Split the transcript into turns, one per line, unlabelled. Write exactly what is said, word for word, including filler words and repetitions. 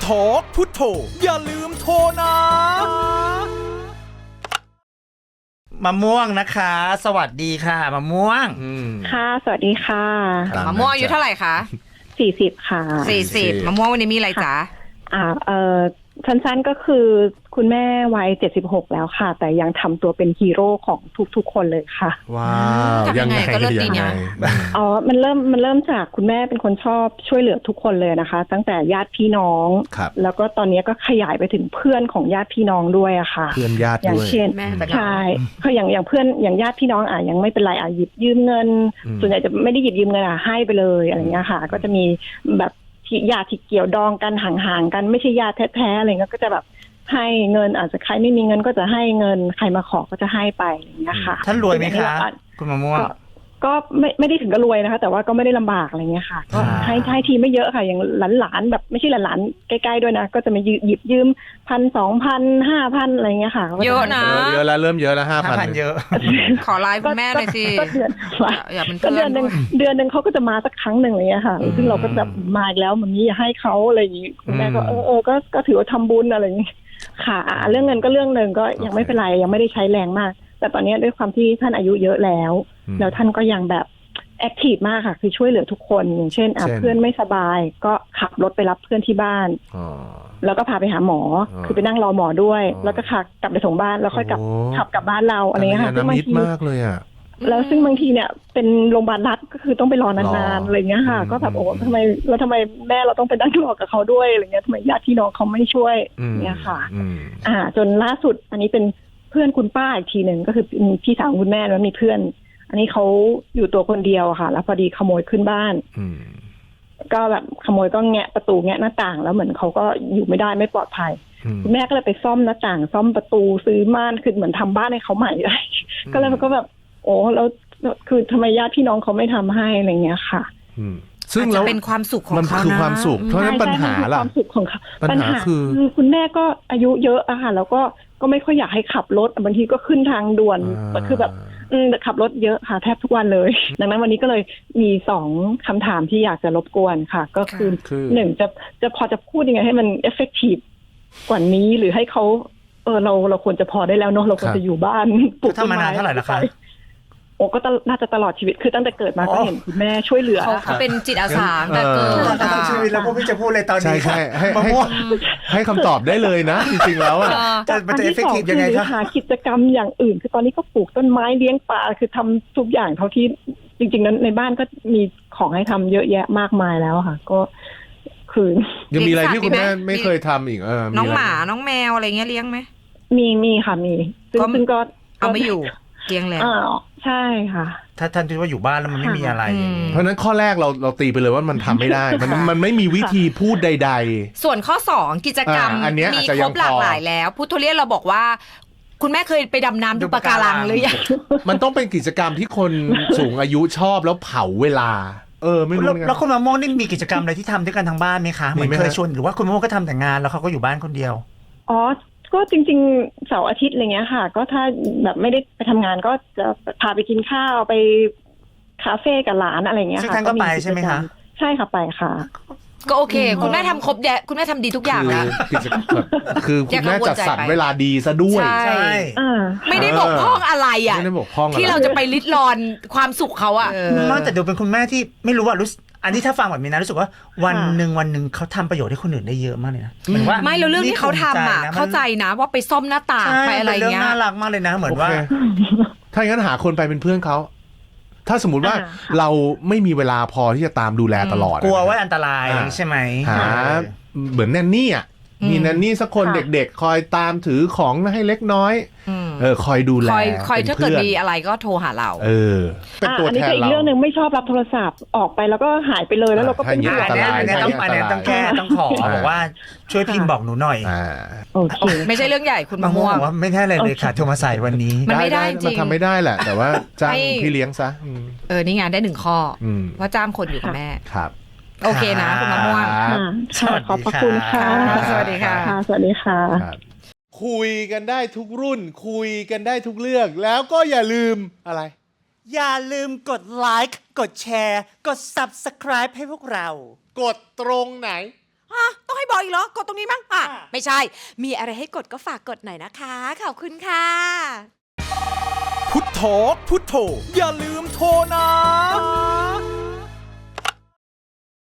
ทอกพุทโธอย่าลืมโทรนะ
มะม่วงนะคะ สวัสดีค่ะมะม่วง
ค่ะสวัสดีค่ะ
มะม่วงอายุเท่าไหร่คะ
สี่สิบค่ะ
สี่สิบมะม่วงวันนี้มีอะไรจ๊ะ
อ่าเออสั้นๆก็คือคุณแม่วัยเจ็ดสิบหกแล้วค่ะ แต่ยังทำตัวเป็นฮีโร่ของทุกๆคนเลยค่ะ
ว้าว
ยังไงก็เลิศดีนะ
อ๋อมันเริ่มมันเริ่มจากคุณแม่เป็นคนชอบช่วยเหลือทุกคนเลยนะคะ ตั้งแต่ญาติพี่น้องแล้วก็ตอนนี้ก็ขยายไปถึงเพื่อนของญาติพี่น้องด้วยอะค่ะ
เพื่อนญาติด้วย
อย่างเช่นใช่คืออย่างอย่างเพื่อนอย่างญาติพี่น้องอ่ะยังไม่เป็นไรอ่ะหยิบยืมเงินส่วนใหญ่จะไม่ได้หยิบยืมเงินอ่ะให้ไปเลยอะไรเงี้ยค่ะก็จะมีแบบญาติที่เกี่ยวดองกันห่างๆกันไม่ใช่ญาติแท้ๆอะไรเงี้ยก็จะแบบให้เงินอาจจะใครไม่มีเงินก็จะให้เงินใครมาขอก็จะให้ไปอย่างเงี้ยค่ะ
ท่านรวยไหมคะคุณมะม่วง
ก็ไม่ไม่ได้ถึงกับรวยนะคะแต่ว่าก็ไม่ได้ลำบากอะไรเงี้ยค่ะก็ให้ให้ทีไม่เยอะค่ะอย่างหลานๆแบบไม่ใช่หลานๆใกล้ๆด้วยนะก็จะมาหยิบยืมพันสองพันห้าพันอะไรเงี้ยค่ะ
เยอะนะ
เยอะแล้วเริ่มเยอะแล้วห้าพัน
เยอะ
ขอไลน์คุณแม่หน่อยสิ
อย่าเป็นเดือนหนึ่งเดือนหนึ่งเขาก็จะมาสักครั้งหนึ่งอะไรเงี้ยค่ะซึ่งเราก็แบบมาอีกแล้วมันนี้อย่าให้เขาอะไรอย่างงี้คุณแม่ก็เออเออก็ก็ถือว่าทำบุญอะไรอย่างงี้ค่ะเรื่องเงินก็เรื่องหนึ่งก็ยังไม่เป็นไรยังไม่ได้ใช้แรงมากแต่ตอนนี้ด้วยความที่ท่านอายุเยอะแล้วแล้วท่านก็ยังแบบแอคทีฟมากค่ะคือช่วยเหลือทุกคนอย่างเช่นเพื่อนไม่สบายก็ขับรถไปรับเพื่อนที่บ้านแล้วก็พาไปหาหมอคือไปนั่งรอหมอด้วยแล้วก็ขับกลับไปส่งบ้านแล้วค่อยกลับขับกลับบ้านเราอะไรเงี้ยค่ะ
ซึ่งบางทีมากเลยอ่ะ
แล้วซึ่งบางทีเนี่ยเป็นโรงพยาบาลรัฐก็คือต้องไปรอนานๆอะไรเงี้ยค่ะก็แบบโอ้ทำไมแล้วทำไมแม่เราต้องไปนั่งรอกับเขาด้วยอะไรเงี้ยทำไมญาติพี่น้องเขาไม่ช่วยเนี่ยค่ะอ่าจนล่าสุดอันนี้เป็นเพื่อนคุณป้าอีกทีหนึ่งก็คือพี่สาวคุณแม่แล้วมีเพื่อนอันนี้เขาอยู่ตัวคนเดียวค่ะแล้วพอดีขโมยขึ้นบ้านก็แบบขโมยก็แงะประตูแงะหน้าต่างแล้วเหมือนเขาก็อยู่ไม่ได้ไม่ปลอดภัยคุณแม่ก็เลยไปซ่อมหน้าต่างซ่อมประตูซื้อม่านคือเหมือนทำบ้านให้เขาใหม่เลยก็เลยมันก็แบบโอ้แล้วคือทำไมญาติพี่น้องเขาไม่ทำให้อะไรเงี้ยค่ะ
ซึ่งเราเป็นความสุขของเขานะ
มันคือความสุขเพราะฉะนั้นปัญหาล่ะ
ความสุขของเขา
ปัญหาคือ
คุณแม่ก็อายุเยอะอะค่ะแล้วก็ก็ไม่ค่อยอยากให้ขับรถบางทีก็ขึ้นทางด่วนคือแบบขับรถเยอะค่ะแทบทุกวันเลยดังนั้นวันนี้ก็เลยมีสองคำถามที่อยากจะรบกวนค่ะก็คือหนึ่งจะจะพอจะพูดยังไงให้มัน effective กว่านี้หรือให้เขาเออเราเราควรจะพอได้แล้วเนาะเราควรจะอยู่บ้าน
ปลูกต้นไม้เท่าไหร่ละคะ
โอ้ก็น่าจะตลอดชีวิตคือตั้งแต่เกิดมาก็เห็นคุณแม่ช่วยเหลือ
เขาเป็นจิตอาสาแต่เกิด
ตลอดชีวิตแล้วก็ไม่จะพูดเลยตอนนี้
ใช่ใช่ให้ให้คำตอบได้เลยนะจริงๆแล้วอ่ะ
มันจะเอฟเฟกตีฟยังไงครับ
หากิจกรรมอย่างอื่นคือตอนนี้ก็ปลูกต้นไม้เลี้ยงปลาคือทำทุกอย่างเท่าที่จริงๆนั้นในบ้านก็มีของให้ทำเยอะแยะมากมายแล้วค่ะก็คือ
ยังมีอะไรที่คุณแม่ไม่เคยทำอีกเออ
น้องหมาน้องแมวอะไรเงี้ยเลี้ยงไหม
มีมีค่ะมีซึ่งก็
เอาไม่อยู่เลี้ยงแล้ว
ใช่ค่ะ
ถ้าท่านคิดว่าอยู่บ้านแล้วมันไม่มีอะไร
เพราะนั้นข้อแรกเราเราตีไปเลยว่ามันทำไม่ได้มันมันไม่มีวิธีพูดใดๆ
ส่วนข้อสองกิจกรรมมีครบหลากหลายแล้วพุทโธเลียนเราบอกว่าคุณแม่เคยไปดำน้ำดูปะการังหรือยัง
มันต้องเป็นกิจกรรมที่คนสูงอายุชอบแล้วเผาเวลาเออไม่รู้
แล้วคุณมะม่วงนี่มีกิจกรรมอะไรที่ทำด้วยกันทางบ้านไหมคะเหมือนเคยชวนหรือว่าคุณมะม่วงก็ทำแต่งานแล้วเขาก็อยู่บ้านคนเดียว
อ๋อก็จริงๆเสาร์อาทิตย์อะไรเงี้ยค่ะก็ถ้าแบบไม่ได้ไปทำงานก็จะพาไปกินข้าวไปคาเฟ่กับหลานอะไรเงี้ยค่ะ
ซึ่งท่านก็ไปใช่ไหมคะ
ใช่ค่ะไปค่ะ
ก็โอเคคุณแม่ทำครบแยะคุณแม่ทำดีทุกอย่างแล้ว
คือคุณแม่จัดสรรเวลาดีซะด้วย
ใช่ไม่ได้บกพร่องอะไรอ่ะที่เราจะไปลิดรอนความสุขเขาอ่ะ
นอกจากดูเป็นคุณแม่ที่ไม่รู้ว่ารู้อันนี้ถ้าฟังแบบนี้นะรู้สึกว่าวันหนึ่งวันหนึ่งเขาทำประโยชน์ให้คนอื่นได้เยอะมากเลยนะเหมือนว่า
ไม่แล้วเรื่องที่เขาทำอ่ะเข้าใจนะว่าไปซ่อมหน้าต่างไปอะไรเงี้ย
น่ารักมากเลยนะเหมือนว่า
ถ้าอย่างนั้นหาคนไปเป็นเพื่อนเขาถ้าสมมติว่าเราไม่มีเวลาพอที่จะตามดูแลตลอด
กลัวว่าอันตรายใช่ไหม
หาเหมือนแนนนี่อ่ะมีแนนนี่สักคนเด็กๆคอยตามถือของให้เล็กน้อยเออคอยดูแล
คอยคอยถ้าเกิดมีอะไรก็โทรหาเรา
เออ
เป็นตัวแทนเราอันนี้ก็อีกเรื่องนึงไม่ชอบรับโทรศัพท์ออกไปแล้วก็หายไปเลยแล้วเราก็เป็น
ห่วงอันนี้ต้องอันนี้ต้องแก้ต้องขอบอกว่าช่วยพิมพ์บอกหนูหน่อย
โอเค
ไม่ใช่เรื่องใหญ่คุณมะม่วง
ว่าไม่ได้อะไรเลยค่ะโทรมาใส่วันนี้
มันไม่ได้จริง
มันทำไม่ได้แหละแต่ว่าจ้างพี่เลี้ยงซะ
เออนี่งานได้หนึ่งข้อว่าจ้างคนอยู่กับแม่
ครับ
โอเคนะคุณมะม่วง
ขอบพระคุณค่ะ
สวัสดีค่ะ
สวัสดีค่ะ
คุยกันได้ทุกรุ่นคุยกันได้ทุกเรื่องแล้วก็อย่าลืมอะไร
อย่าลืมกดไลค์กดแชร์กด ซับสไครบ์ ให้พวกเรา
กดตรงไหน
ฮะต้องให้บอกอีกเหรอกดตรงนี้มั้งอ่ะไม่ใช่มีอะไรให้กดก็ฝากกดหน่อยนะคะขอบคุณค่ะ
พุทโธพุทโธอย่าลืมโทรนะ